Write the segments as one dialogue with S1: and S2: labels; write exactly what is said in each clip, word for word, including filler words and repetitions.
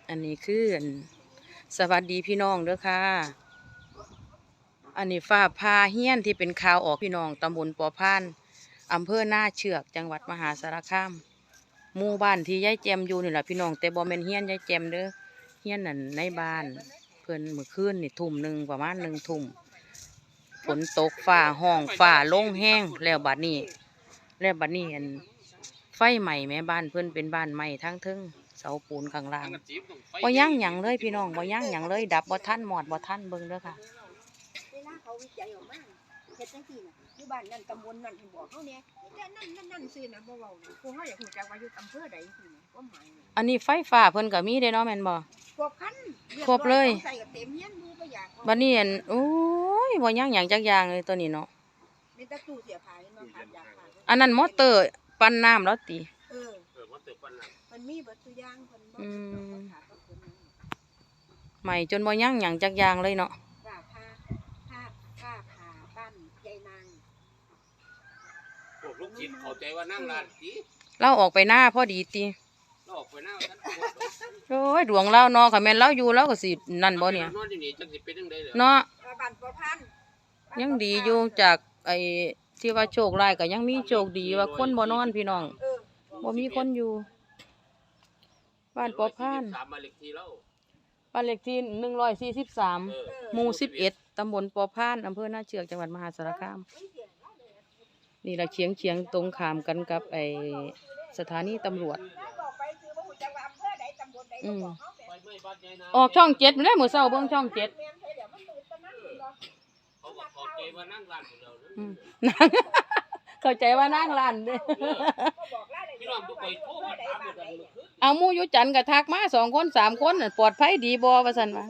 S1: อันนี้คือสวัสดีพี่น้องเด้อค่ะอันนี้ฟ้าพาเฮี้ยนที่เป็นข่าวออกพี่น้องตำบลปอพานอำเภอหน้าเชือกจังหวัดมหาสารคามหมู่บ้านที่ยายแจมอยู่นี่แหละพี่น้องแต่บ่แม่นเฮี้ยนยายแจมเด้อเฮี้ยนนั่นในบ้านเพิ่นเมื่อคืนนี่ทุ่มหนึ่งประมาณหนึ่งทุ่มฝนตกฟ้าห้องฟ้าลงแห้งแล้วบัดนี้แล้วบัดนี้อันไฟใหม่แม่บ้านเพิ่นเป็นบ้านใหม่ทั้งทึ่งเสาปูนข้างล่างบ่ย่างหยังเลยพี่น้องบ่ย่างหยังเลยดับบ่ทันหมอดบ่ทันเบิ่งเด้อค่ะ
S2: เวลาเขาวิจัยออกมาเฮ็ดจังซี่น่ะอยู่บ้านนั่นตำบลนั่นเพิ่นบอกเฮาเนี่ยแต่นั่นนั่นนั่นซื่อนะบ่เว้านะผู้เฮาอยากรู้จักว่าอยู่อำเภอใดซื่อนะความหมายน่ะ
S1: อันนี้ไฟฟ้าเพิ่นก็มีเด้เนาะแม่นบ่
S2: ครบคัน
S1: ครบเลย
S2: ใส่ก็เต็มเฮียนดูบ่อยาก
S1: บัดนี้อันโอ้ยบ่ย่างหยังจักอย่างเลยตัวนี้เนาะ
S2: มีแต่ตู้เสียผ้าเห็นบ่ครับอยากผ้า
S1: อันนั้นมอเตอร์ปั่นน้ำแล้วติ
S2: เออเออมอเตอร์ปั่นน้ำมันมีเบิดตัวอย่างเพิ่นบ่อืม
S1: ใหม่จนบ่ย่างหยังจักอย่างเลยเนาะ
S2: ว่าผ้าผ้าผ้าผ้าบ้านยายนาง
S3: พวกลูกศิษย์เข้าใจว่านั่งร้านติ
S1: เราออกไปหน้าพอดีติ
S3: เราออกไปหน้าท่าน
S1: โอ้ยดวงเราเนาะค่ะแม่นเราอยู่เราก็สินั่นบ่เนี่ย
S3: นอนอยู่นี่จังสิเป็นจังได๋เหรอ
S1: เนาะ
S2: บ้านปอพัน
S1: ยังดีอยู่จากไอ้ที่ว่าโชคร้ายก็ยังมีโชคดีว่าคนบ่นอนพี่น้องบ่มีคนอยู่บ้านปอพาน
S3: บ้านเลขที่เรา
S1: บ้านเลขที่หนึ่งร้อยสี่สิบสามหมู่สิบเอ็ดตำบลปอพานอำเภอหน้าเชือกจังหวัดมหาสารคามนี่ละเฉียงเฉียงตรงข้ามกันกับไอสถานีตำรวจอืมออกช่องเจ็ดไม่ได้เหมือนเศร้าเบิ้งช่องเจ็ดเข้าใจว่านั่งร้านเด้เอามู่ยุจันกับทักมาสองคนสามคนปลอดภัยดีบ่ว่าซั่นว่า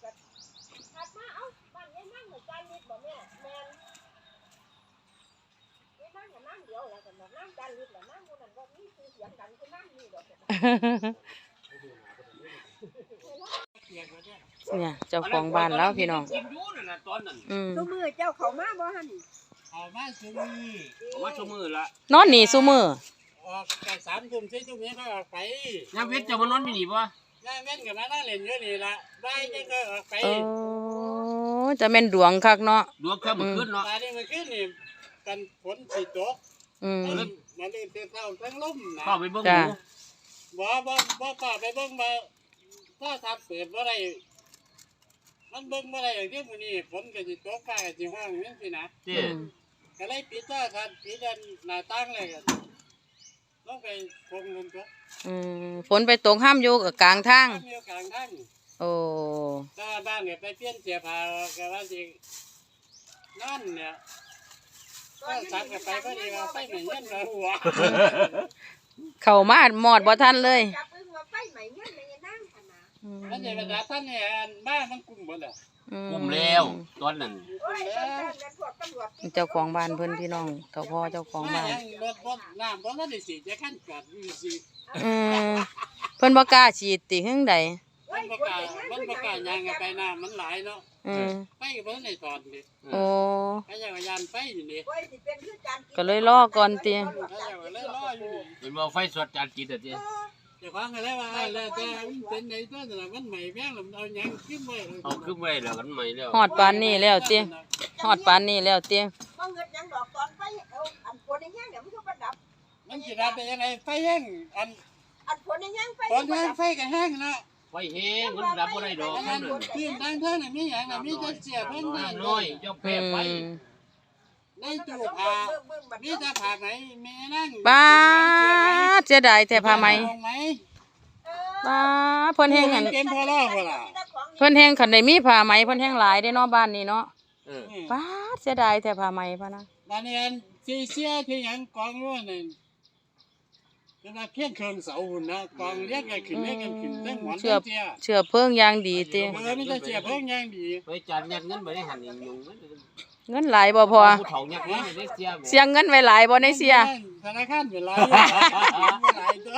S1: เนี่ยเจ้าของบ้านแล้วพี่น้อง
S2: อืมซุมื้อเจ้าเข้ามาบ่หั่น
S3: เข้ามาซุมื้อเข้ามาซุมื้อละ
S1: นอนนี่ซุมื้อ
S3: ออกแต่สามทุ่มสี่ทุ่มนี้ก็ออกไปยามเว้นจะมานอนอยู่นี่บ่ยามเว้นก็มานั่งเล่นอยู่นี่ล่ะบ่ายจังก็ออกไป
S1: โอ้จะแม่นดวงคักเนาะ
S3: ดวงคักมื้อคืนเนาะอันนี้มื้อคืนนี่กันฝนสิตก
S1: อืม
S3: มันมันได้เช้าทั้งลมนะเข้าไปเบิ่งดูบ่บ่บ่กล้าไปเบิ่งมาถ้าทับเปิดบ่ได้มันเบิ่งบ่ได้อย่างที่มื้อนี้ฝนก็สิตกฟ้าก็สิร้องจังซี่นะติก็เลยปิดโทรทัศน์ปิดหน้าต่างเลยก็ลงไปคงลมตก
S1: อืมฝนไปตกห้ามอยู่กับกลางทาง
S3: ห้ามอยู่กลางทาง
S1: โอ้
S3: ถ้าบ้านเนี่ยไปเปลี่ยนเสื้อผ้าก็ว่าสินั่นเนี่ยก็สักก็ไปพอดีว่าไฟไหม้เงินมาหัว
S1: เข้ามาหมอดบ่ทันเลย
S2: จับมือว่าไฟไหม้เงินในนั่งคั่นน่ะ
S3: อันนี้บรรดาท่านเนี่ยบ้านมันกุมบ่ล่ะกุมแล้วตอนนั้น
S1: เจ้าของบ้านเพิ่นพี่น้องเจ้าพ่อเจ้าของบ้าน
S3: รถรถน้ำบ่ทันได้สิจะคั่นกัดอยู่สิ
S1: อืมเพิ่นบ่กล้าฉีดติหึงใด
S3: มันบ่กล้ามันบ่กล้าย่างไปน้ำมันหลายเนาะ
S1: อืม
S3: ไปก็บ่ได้ถอนดิ
S1: โอ้
S3: ไอ้จักรยานไปอยู่นี่
S1: ก็เลยรอก่อนติ
S3: เป็นว่าไฟสดจานกินอ่ะติเจ้าของก็เลยว่าแล้วแต่เป็นไดตัวนั่นน่ะมันใหม่แพงแล้วเอาหยังขึ้นไว้เอาขึ้นไว้แล้วมันใหม่แล้ว
S1: ฮอดปานนี้แล้วติฮอดปานนี้แล้วติ
S2: บ่เงิดหยังดอกตอนไฟเอาอันฝนแห้งเนี่ยมันก็บ่ดับ
S3: มันสิดับได้ยังไงไฟแห้งอัน
S2: อันฝนแห้งไฟ
S3: ฝนแห้งไฟก็แห้งเนาะไฟแห้งมันดับบ่ได้ดอกนั่นขึ้นทางเทิงน่ะมีหยังน่ะมีแต่เสียเพิ่นน้อยเจ้าแพ้ไฟในตู้ผ้ามีแต่ผ้าไหมแม่นั่ง
S1: ป้าเสียดายแต่ผ้าไหมป้าเพิ่นแห้งอันเพิ่นแห้งคันได้มีผ้าไหมเพิ่นแห้งหลายได้เนาะบ้านนี้เนาะป้าเสียดายแต่ผ้าไหมพ่ะนะ
S3: บ้านนี้อันสิเสียที่หยังกองอยู่นั่นเป็นว่าเพียงเครื่องเสาหุ่นนะกองเรียกกันขึ้นเรียกกันขึ้นเรื่องหมอนเ
S1: ชื่อเชื่อเพิ่งอย่างดีติ
S3: เออมีแต่เชื่อเพิ่งอย่างดีไปจัดยัดเงินไปได้หันยุง
S1: เงินหลายบ่พอเสียงเงินไว้หลายบ่ในเสีย
S3: ธนาคารเป็นหลายหลายตัว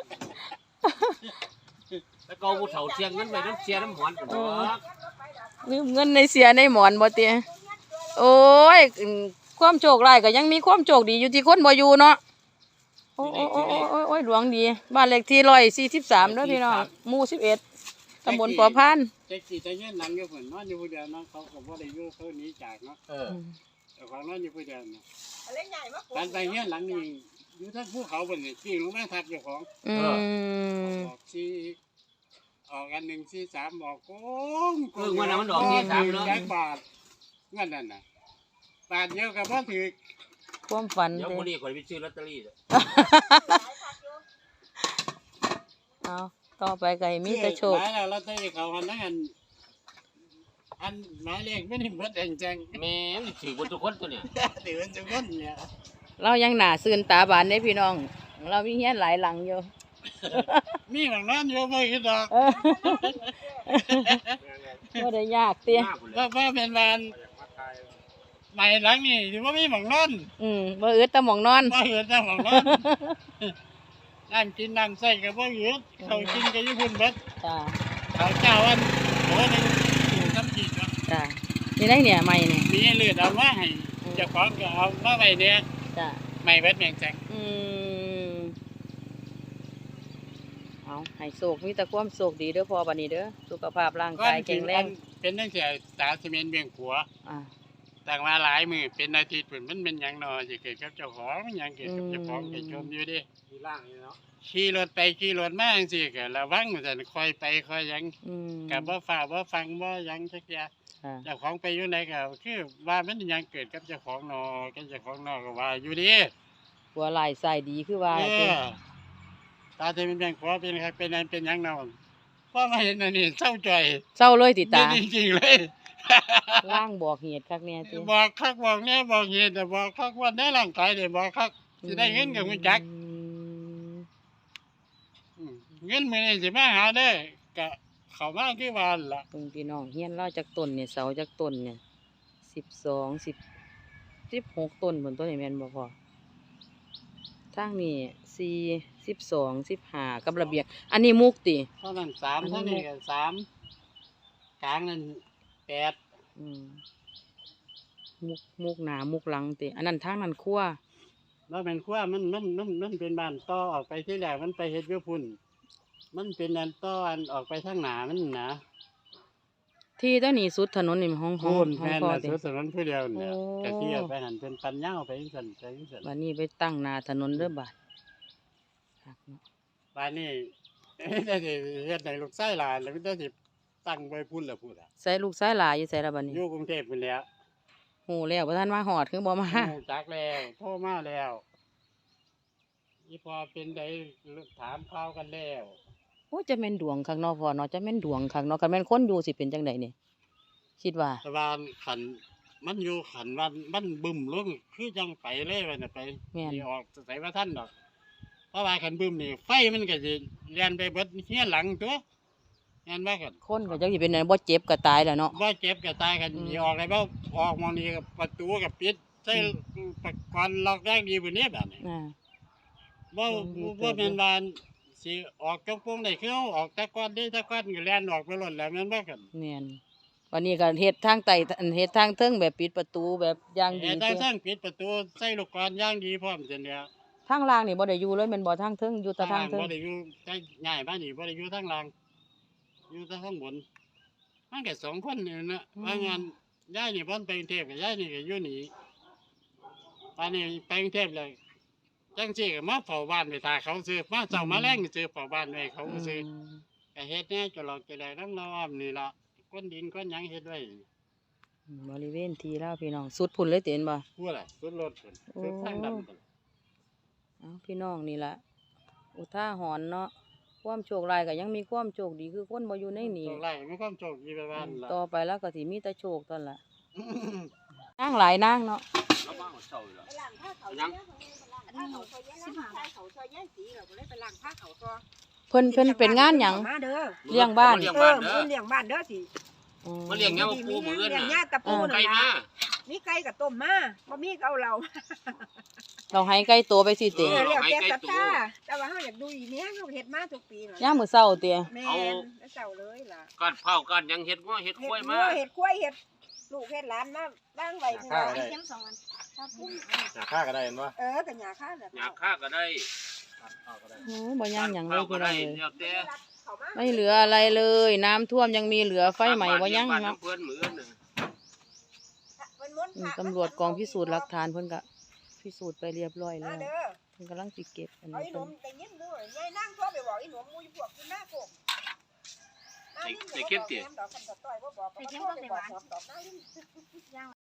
S3: แล้วก็ผู้เฒ่าเสียงเงินไปน้ำเสียน้ำหมอน
S1: ลืมเงินในเสียในหมอนบ่ติโอ้ยความโชคร้ายก็ยังมีความโชคดีอยู่ที่คนบ่อยู่เนาะโอ้โอ้โอ้โอ้โอ้ดวงดีบ้านเลขที่ร้อยสี่สิบสามเด้อพี่น้องหมู่สิบเอ็ดตำบลปอพาน
S3: แท็กซี่แต่เงี้ยหนังอยู่พุ่นนอนอยู่ผู้เดียวเนาะเขาก็บ่ได้อยู่เขาหนีจากเนาะ
S4: เออ
S3: เจ้าของนอนอยู่ผู้เดียวเนาะ
S2: อะไรใหญ่มาก
S3: การไปเงี้ยหลังนี่อยู่ทั้งภูเขาพุ่นนี่ที่ลงมาทับเจ้าของ
S1: อืม
S3: ออกสี่ออกอันหนึ่งสี่สามออกโก้ง
S4: เออวันนั้นมันดอกที่สามเนาะ
S3: แจ็คบาทเงินนั่นน่ะบาทเดียวกับพ่อถือ
S1: ความฝัน
S4: เดี๋ยว
S1: เด้
S4: คนนี้คนไปซื้อลอตเตอรี่
S1: เอาต่อไปก็ให้มีแต่โชค
S3: หมายแล้วเราได้เขาอันนั้นอันอันหมายเลขไม่ได้เบิดเองจัง
S4: แม่มันถือบนทุกคนตัวเนี่ย
S3: ถือเป็นจุกันเนี่ย
S1: เรายังหนาซื่นตาบานได้พี่น้อง เรามีเฮียนหลายหลังอยู่
S3: มีบางนั้นอยู่ไม่คิดดอก
S1: เออบ่ได้ยากเตี้ย
S3: เพราะว่าเป็นวันใหม่หลังนี่ถือว่ามีบางนั้น
S1: อืมบ่อึดแต่หมองนอน
S3: บ่เห็นแต่บางนั้นนั่งกินนั่งใส่กับบ่เห็นเขากินกับญี่ปุ่นเบิด
S1: จ้า
S3: เขาเจ้าอันโหนึงถูกน้ำจีบเนาะ
S1: จ้านี่ได้เนี่ยใหม่เนี่ย
S3: มีเลือดเอามาให้เจ้าของก็เอามาไว้เนี่ย
S1: จ้า
S3: ไม่เบิดแมงแจง
S1: อืมเอาให้โชคมีแต่ความโชคดีเด้อพ่อบัดนี้เด้อสุขภาพร่างกายแข็งแรง
S3: เป็นตั้งแต่ตาซีเมนต์เบียงขัว
S1: อ่า
S3: ต่างมาหลายมือเป็นอาทิตย์ปุ่นมันเป็นหยังนอจะเกิดกับเจ้าของมันหยังเกิดกับเจ้าของไปชมอยู่ดิ
S4: มีร่างนี่เนาะ
S3: ขี่รถไปขี่รถมาจังซี่ก็ระวังว่าซั่นคอยไปคอยหยัง
S1: อืม
S3: ก็บ่ฟ้าบ่ฟังบ่หยังจักอย่าง
S1: ค่ะ
S3: เจ้าของไปอยู่ไหนก็คือว่ามันหยังเกิดกับเจ้าของนอกับเจ้าของนอก็ว่าอยู่ดิ
S1: หัวไหล่ใส่ดีคือว่า
S3: เอ
S1: เด้อ
S3: อตาที่มันเป็นขัวเป็นครับเป็นอันเป็นหยังนอนเพราะมาเห็นอันนี้เศร้าใจ
S1: เศร้าเลยติตา
S3: จริงๆเลย
S1: ล่างบอกเหตุคักเนี่ยติ
S3: บอกคักบอกแน่บอกเหตุแต่บอกคักว่าในร่างกายเดี๋ยวบอกคักสิได้เงินกับคุณจัก
S1: อืม
S3: อืมเงินมื้อนี้สิมาหาได้อกะเข้ามาคือว่าหั่นล่ะ
S1: เพิ่งพี่น้องเฮียนเล่าจากต้นเนี่ยเสาจากต้นเนี่ยสิบสองสิบสิบหกต้นบนต้นนี่แม่นบ่พอทางนี้สี่สิบสองสิบห้ากับระเบียงอันนี้มุกติ
S3: เท่านั้นสาม
S1: อันนี้
S3: เท่านี้ก็สามกลางนั้นแปด
S1: อืมมุกมุกหนามุกหลังติอันนั้นทางนั้นครัว
S3: แล้วแม่นครัวมันมันมันมันเป็นบ้านต่อออกไปที่แรกมันไปเฮ็ดอยู่พุ่นมันเป็นอันต่ออันออกไปทางหน้ามันนะ
S1: ที่ต้นนี้สุดถนนนี่ห้องห้อง
S3: พุ่น
S1: ห้อง
S3: แม่น
S1: พ่อ
S3: น่ะ
S1: ติ
S3: สุดสนนผู้เดียวเนี่ย
S1: โอ้
S3: กะที่เอาไปหันเป็นปันยาวไปจังซั่นไปจังซั่น
S1: บัดนี้ไปตั้งหนาถนนเด้อบาดคักเนาะ
S3: บ้านนี้ ได้สิเฮ็ดให้ลูกชายหลานแล้วมันได้สิตั้งไว้พุ่นแล้วพุ่นอ่ะ
S1: ใส่ลูกชายหลายอยู่ใส่ละบัดนี้
S3: อยู่กรุงเทพพุ่นแหล้ว
S1: โหแล้วบ่ทันมาหอดคือบ่มา
S3: รู้จักแล้วโทรมาแล้วอีพอเป็นได้ถามข่าวกันแล้ว
S1: โอ้จะแม่นดวงคักเนาะพ่อเนาะจะแม่นดวงคักเนาะคันแม่นคนอยู่สิเป็นจังไดนี่คิดว่า
S3: แต่ว่าขันมันอยู่ขันวันมันบึ้มลงคือจังไปเลยวันน่ะไป
S1: แม่น
S3: สิออกใส่ว่าท่านดอกเพราะว่าขันบึ้มนี่ไฟมันก็สิเลียนไปเบิดเฮียหลังตัวงานว่ากัน
S1: คนก็จักสิเป็นอันบ่เจ็บก็ตายแล้วเนาะ
S3: ว่าเจ็บก็ตายกัน
S1: อืม
S3: สิออกเลยบ่ออกมองนี่กับประตูกับปิดใส่ประกันล็อกได้ดีกว่านี้แบบนี้
S1: อ่า
S3: บ่
S1: ลองดู
S3: บ่
S1: เติบ
S3: แม่นว่าสิออกจังปงได้คือเอาออกแต่ก่อนเด้แต่ก่อนก็แล่นออกไปหล่นแล้วแม่นบ่กัน
S1: แม่นวันนี้ก็เฮ็ดทางใต้อันเฮ็ดทางเทิงแบบปิดประตูแบบอย่างดี
S3: แต่
S1: เด้
S3: ทั้งปิดประตูใส่ลูกกลอนอย่างดีพร้อมจังเดียว
S1: ทางล่างนี่บ่ได้อยู่เลยแม่นบ่ทางเทิงอยู่แต่ทาง
S3: ล่าง
S1: เทิง
S3: บ่ได้อยู่ใต้ง่ายบ้านนี่บ่ได้อยู่ทางล่างอยู่แต่ข้างบนมันก็สองคนนี่นะว่างานยายนี่เพิ่นไปกรุงเทพกับยายนี่ก็อยู่นี่ปานนี้ไปกรุงเทพเลยจังซี่ก็มาเฝ้าบ้านไปท่าเขาซื้อมาเจ้ามาแรงซื้อเฝ้าบ้านไว้เขาก็ซื้อ
S1: อืม
S3: ก็เฮ็ดแหน่จะหลอกจะได้น้ำน้อมนี่ล่ะก้นดินก้นหยังเฮ็ดไว้
S1: บริเวณที่ลาวพี่น้องสุดพุ่นเลยเต็นบ่
S3: พูดอะไรสุดรถพุ่นสุดทางดำพุ่น
S1: เอ้าพี่น้องนี่ล่ะอุทาหรณ์เนาะความโชคร้ายก็ยังมีความโชคดีคือคนบ่อยู่ในนี่
S3: โชคไล่ไม่ความโชคดีไปบ้านล่ะ
S1: ต่อไปแล้วก็สิมีแต่โชคตอนละนางหลายนางเนาะ
S4: แล้วบ้างเศร้าอยู่แล้ว
S2: ไปล้างผ้าเขาเนี่ยไปล้างผ้าเขาซอยแย่ล้างผ้าเขาซอยแย่สีเราก็เลยไปล้างผ้าเขาซอย
S1: เพิ่นเพิ่นเป็นงานหยัง
S2: มาเด้อ
S1: เลี้ยงบ้าน
S4: เลี้ยง
S2: เอ
S4: บ้า
S2: อน
S4: เด้
S2: มื้
S4: อ
S2: อเลี้ยงบ้านเด้อสิ
S1: อืม
S4: มาเลี้ยงแนวปูมื้อ
S2: เลี้ยง
S4: น่ะ
S2: หญ้าตะปู
S4: ไก่
S2: นั่น
S4: มา
S2: ล่ะมีไก่กับต้มมาบ่มีก็เอาเรา
S1: เราให้ไก่ตัวไปสิ
S2: เอ
S1: เตะ
S2: อเรียกแกศรัทธาแต่ว่าเฮาอยากดูอีเนี้ยเฮาเฮ็ดมาทุกปีล่ะ
S1: ย่ามมื้อเช้าเตะ
S2: แม่นแล้วเจ้าเลยล่ะ
S4: ก้อนเผาก้อนหยังเฮ็ดง้อเฮ็ด
S2: เฮ็ด
S4: กล้วย
S2: งั
S4: มาว
S2: เฮ็ดกล้วยเฮ็ดลูกเฮ็ดหลานมาบ้างไว้ที่ว่า
S5: ได้
S2: เข็มสองอันถ้าปุ้ม
S5: หาค่าก็ได้เห็นปะ
S2: เออก็หญ้าค่าน่ะ
S4: หยาค่าก็ได้
S5: ข้าวก็ได้
S1: โอ้บ่ย่างหยังเลย
S4: เผาก็
S1: พี่น้
S4: ได้
S1: องเลย
S4: แล้วแต่
S2: เเข้ามา
S1: ไม่เหลืออะไรเลย น้ำท่วมยังมีเหลือไฟไหม้บ่ยัง
S4: บ้าน
S1: เนาะ
S4: เพื่อนมื้อน่ะ
S2: เพิ่นม้วน
S1: อืม
S2: พระ
S1: ตำรวจกองพิสูจน์หลักฐานเพิ่นก็พิสูจน์ไปเรียบร้อย
S2: มา
S1: แล้ว
S2: เด้อ
S1: เพิ่นกำลังสิเก็บอัน
S2: เอา
S1: นี้
S2: อีห
S1: เพิ่
S2: นุ่
S1: น
S2: มแต่ยินหมู่ยายนั่งโทรไปบอกอีหนุ่มหมู่อยู่พวกคุณหน้าโกก
S4: ใส่ใส่เข้มติ
S2: ดอกกันต่อยบ่บอกก็บ่โทรไปบอกดอกหน้าลิ้น